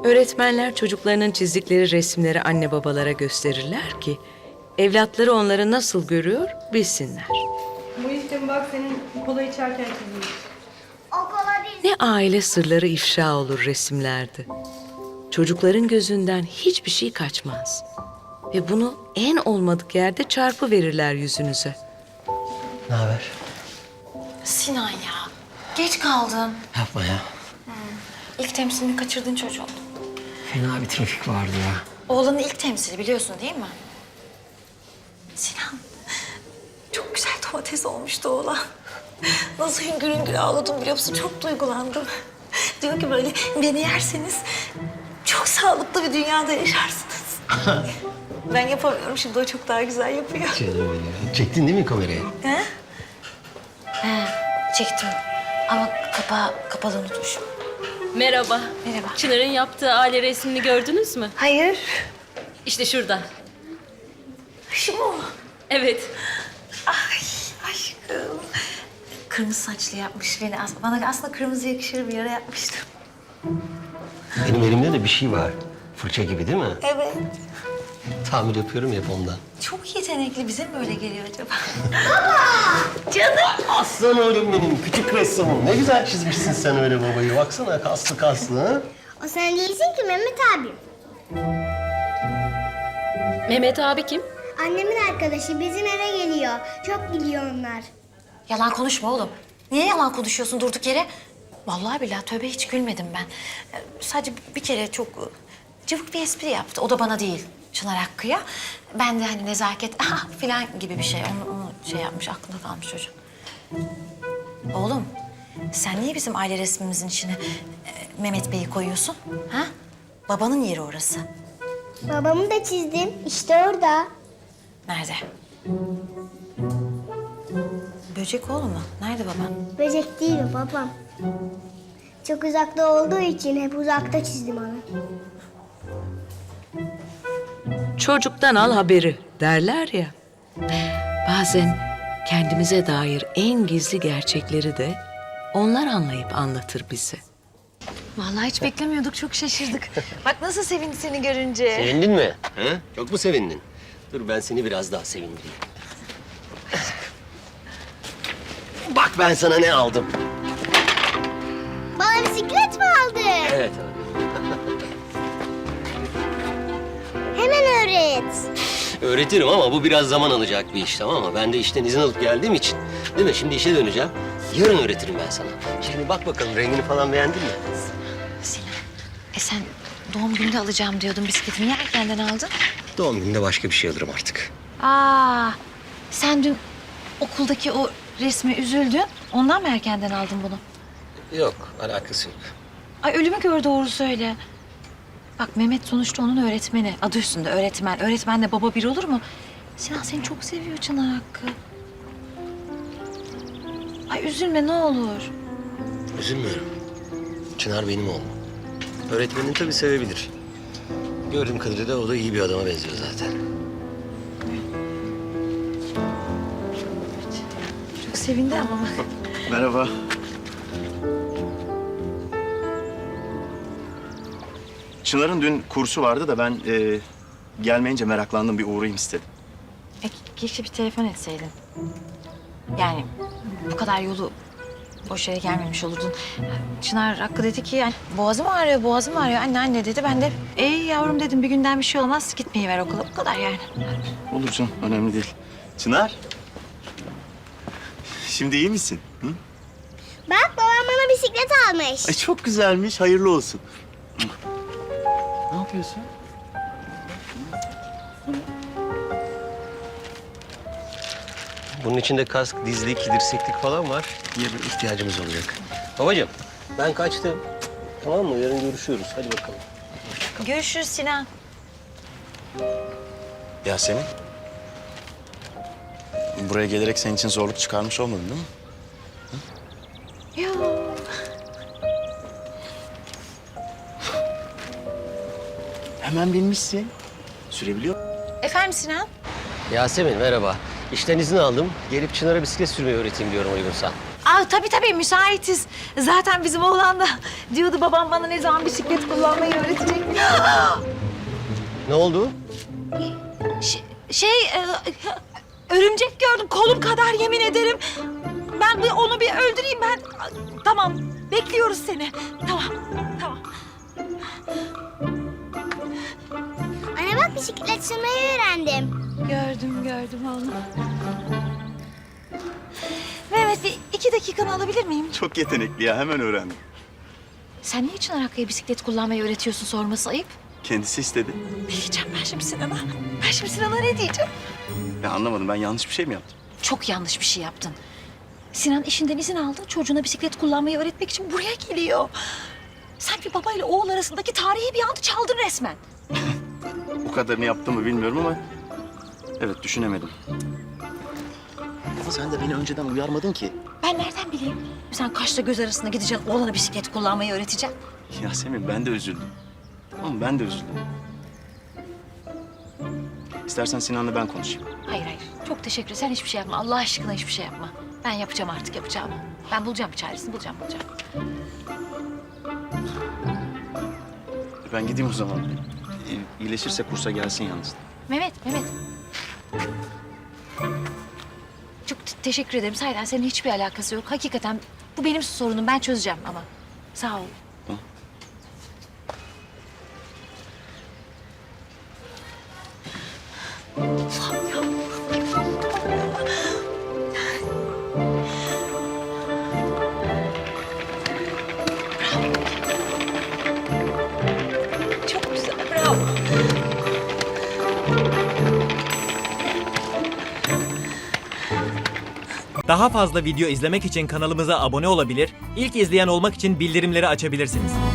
Öğretmenler çocuklarının çizdikleri resimleri anne babalara gösterirler ki evlatları onları nasıl görüyor bilsinler. Bu işte bak senin kola içerken çizilmiş. O kola değil. Ne aile sırları ifşa olur resimlerde. Çocukların gözünden hiçbir şey kaçmaz. Ve bunu en olmadık yerde çarpı verirler yüzünüze. Ne haber? Sinan ya, geç kaldın. Yapma ya. İlk temsilini kaçırdın çocuğun. Fena bir trafik vardı ya. Oğlanın ilk temsili biliyorsun değil mi? Sinan, çok güzel domates olmuştu oğlan. Nasıl hüngür hüngür ağladım biliyor musun? Çok duygulandım. Diyor ki böyle beni yerseniz çok sağlıklı bir dünyada yaşarsınız. Ben yapamıyorum şimdi, o çok daha güzel yapıyor. Canım benim. Çektin değil mi kamerayı? He? He, çektim. Ama kapalı unutmuşum. Merhaba. Merhaba. Çınar'ın yaptığı aile resmini gördünüz mü? Hayır. İşte şurada. Şu mu? Evet. Ay aşkım. Kırmızı saçlı yapmış beni. Bana aslında kırmızı yakışır bir yere yapmıştım. Benim elimde de bir şey var. Fırça gibi değil mi? Evet. Tamir yapıyorum hep ondan. Çok yetenekli. Bize mi böyle geliyor acaba? Aslan oğlum benim, küçük ressamım. Ne güzel çizmişsin sen öyle babayı. Baksana kaslı kaslı ha. O sen değilsin ki Mehmet abi. Mehmet abi kim? Annemin arkadaşı bizim eve geliyor. Çok biliyor onlar. Yalan konuşma oğlum. Niye yalan konuşuyorsun durduk yere? Vallahi billahi tövbe hiç gülmedim ben. Sadece bir kere çok cıvık bir espri yaptı. O da bana değil, Çınar Hakkı'ya. Ben de hani nezaket falan gibi bir şey. Onu şey yapmış, aklında kalmış çocuk. Oğlum, sen niye bizim aile resmimizin içine Mehmet Bey'i koyuyorsun? Ha? Babanın yeri orası. Babamı da çizdim. İşte orada. Nerede? Böcek oğlum mu? Nerede baban? Böcek değil o babam. Çok uzakta olduğu için hep uzakta çizdim onu. Çocuktan al haberi derler ya. Bazen kendimize dair en gizli gerçekleri de onlar anlayıp anlatır bize. Vallahi hiç beklemiyorduk, çok şaşırdık. Bak nasıl sevindi seni görünce. Sevindin mi? Ha? Çok mu sevindin? Dur ben seni biraz daha sevindireyim. Bak ben sana ne aldım. Bana bisiklet mi aldın? Evet abi. Hemen öğret. Öğretirim ama bu biraz zaman alacak bir iş, tamam mı? Ben de işten izin alıp geldiğim için. Değil mi? Şimdi işe döneceğim. Yarın öğretirim ben sana. Şimdi bak bakalım rengini falan beğendin mi? Sinan, sen doğum gününde alacağım diyordun bisikletimi. Niye erkenden aldın? Doğum gününde başka bir şey alırım artık. Sen dün okuldaki o resme üzüldün. Ondan mı erkenden aldın bunu? Yok, alakası yok. Ay ölümü gör doğru söyle. Bak Mehmet sonuçta onun öğretmeni. Adı üstünde öğretmen. Öğretmenle baba bir olur mu? Sinan seni çok seviyor Çınar Hakkı. Ay üzülme ne olur. Üzülmüyorum. Çınar benim oğlum. Öğretmenin tabii sevebilir. Gördüğüm kadarıyla o da iyi bir adama benziyor zaten. Çok sevindi ama bak. Merhaba. Çınar'ın dün kursu vardı da ben gelmeyince meraklandım, bir uğrayayım istedim. Keşke bir telefon etseydin. Yani bu kadar yolu boş yere gelmemiş olurdun. Çınar Hakkı dedi ki yani boğazım ağrıyor, boğazım ağrıyor. Anne dedi. Ben de yavrum dedim bir günden bir şey olmaz. Gitmeyi ver okula. Bu kadar yani. Olur canım, önemli değil. Çınar. Şimdi iyi misin? Hı? Bak babam bana bisiklet almış. Ay çok güzelmiş, hayırlı olsun. Ne yapıyorsun? Bunun içinde kask, dizlik, dirseklik falan var. Diye bir ihtiyacımız olacak. Babacığım, ben kaçtım. Tamam mı? Yarın görüşüyoruz. Hadi bakalım. Görüşürüz Sinan. Yasemin. Buraya gelerek senin için zorluk çıkarmış olmadın değil mi? Yok. Hemen binmişsin. Sürebiliyor musun? Efendim Sinan? Yasemin merhaba. İşten izin aldım. Gelip Çınar'a bisiklet sürmeyi öğreteyim diyorum uygunsa. Tabii müsaitiz. Zaten bizim oğlan da diyordu babam bana ne zaman bisiklet kullanmayı öğretecek. Ne oldu? Örümcek gördüm kolum kadar yemin ederim. Ben onu bir öldüreyim ben. Tamam, bekliyoruz seni. Tamam. Anne bak bisiklet sürmeyi öğrendim. Gördüm oğlum. Mehmet bir 2 dakikanı alabilir miyim? Çok yetenekli ya, hemen öğrendim. Sen niye Çınar Hakkı'ya bisiklet kullanmayı öğretiyorsun sorması ayıp? Kendisi istedi. Ne diyeceğim ben şimdi Sinan'a? Ne diyeceğim? Ya anlamadım, ben yanlış bir şey mi yaptım? Çok yanlış bir şey yaptın. Sinan işinden izin aldı. Çocuğuna bisiklet kullanmayı öğretmek için buraya geliyor. Sen bir baba ile oğul arasındaki tarihi bir anı çaldın resmen. Bu kadarını yaptım mı bilmiyorum ama... Evet, düşünemedim. Ama sen de beni önceden uyarmadın ki. Ben nereden bileyim? Sen kaşla göz arasında gideceksin, oğlana bisiklet kullanmayı öğreteceksin. Yasemin, ben de üzüldüm. Tamam, ben de üzüldüm. İstersen Sinan'la ben konuşayım. Hayır. Çok teşekkür ederim. Sen hiçbir şey yapma. Allah aşkına hiçbir şey yapma. Ben yapacağım artık yapacağımı. Ben bulacağım bir çaresini, bulacağım. Ben gideyim o zaman. İyileşirse kursa gelsin yalnız. Mehmet. Çok teşekkür ederim. Sahiden senin hiçbir alakası yok. Hakikaten bu benim sorunum. Ben çözeceğim ama. Sağ ol. Tamam. Çok güzel. Bravo. Daha fazla video izlemek için kanalımıza abone olabilir, ilk izleyen olmak için bildirimleri açabilirsiniz.